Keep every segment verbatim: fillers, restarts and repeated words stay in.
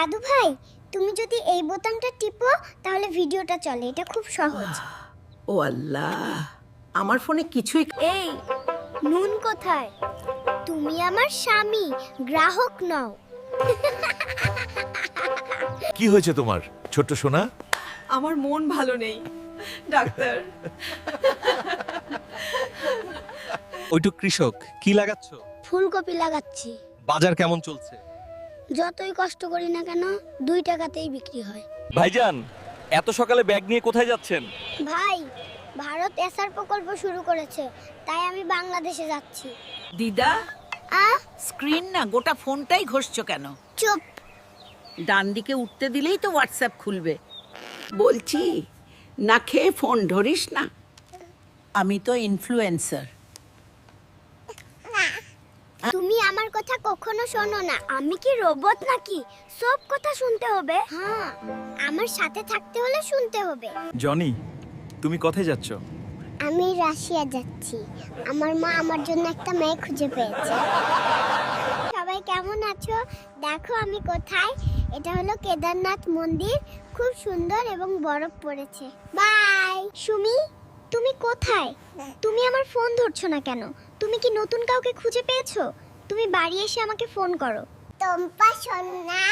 দাদু ভাই, তুমি যদি এই বোতামটা টিপো তাহলে ভিডিওটা চলে। এটা খুব সহজ। ও আল্লাহ, আমার ফোনে কিছুই। এই নুন কোথায়? তুমি আমার স্বামী, গ্রাহক নও। কি হয়েছে তোমার ছোট্ট সোনা? আমার মন ভালো নেই ডাক্তার। ওইটু কৃষক কি লাগাচ্ছ? ফুলকপি লাগাচ্ছি। বাজার কেমন চলছে? যতই কষ্ট করি না কেন দুই টাকাতেই বিক্রি হয়। ভাইজান, এত সকালে ব্যাগ নিয়ে কোথায় যাচ্ছেন? ভাই, ভারত এসআর প্রকল্প শুরু করেছে, তাই আমি বাংলাদেশে যাচ্ছি। দিদা, আ স্ক্রিন না গোটা ফোনটাই ঘষছো কেন? চুপ। ডান দিকে উঠতে দিলেই তো হোয়াটসঅ্যাপ খুলবে। বলছি, না খেয়ে ফোন ধরিস না। আমি তো ইনফ্লুয়েন্সার। তুমি আমার কথা কখনো শোনো না। আমি কি রোবট নাকি সব কথা শুনতে হবে? হ্যাঁ, আমার সাথে থাকতে হলে শুনতে হবে। জনি, তুমি কোথায় যাচ্ছ? আমি রাশিয়া যাচ্ছি। আমার মা আমার জন্য একটা মেয়ে খুঁজে পেয়েছে। সবাই কেমন আছো? দেখো আমি কোথায়। এটা হলো কেদারনাথ মন্দির। খুব সুন্দর এবং বরফ পড়েছে। বাই। সুমি, তুমি কোথায়? তুমি আমার ফোন ধরছো না কেন? তুমি কি নতুন কাউকে খুঁজে পেয়েছো? তুমি বাড়ি এসে আমাকে ফোন করো। টম্পা সোনা,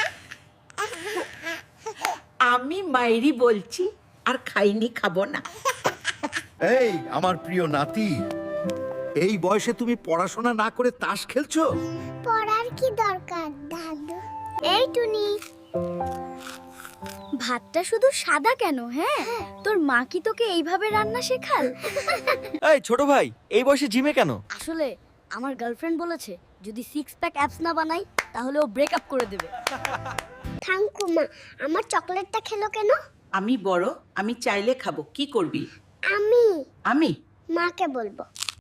আমি মাইরি বলছি, আর খাইনি, খাবো না। এই আমার প্রিয় নাতি, এই বয়সে তুমি পড়াশোনা না করে তাস খেলছো? পড়ার কি দরকার দাদু? এই টুনি, ভাতটা শুধু সাদা কেন? হ্যাঁ, তোর মা কি তোকে এইভাবে রান্না শেখাল? এই ছোট ভাই, এই বয়সে জিমে কেন? আসলে আমার গার্লফ্রেন্ড বলেছে যদি সিক্স প্যাক অ্যাপস না বানাই তাহলে ও ব্রেকআপ করে দেবে। থাঙ্কু মা, আমার চকলেটটা খেলো কেন? আমি বড়, আমি চাইলে খাবো। কি করবি? আমি আমি মাকে বলবো।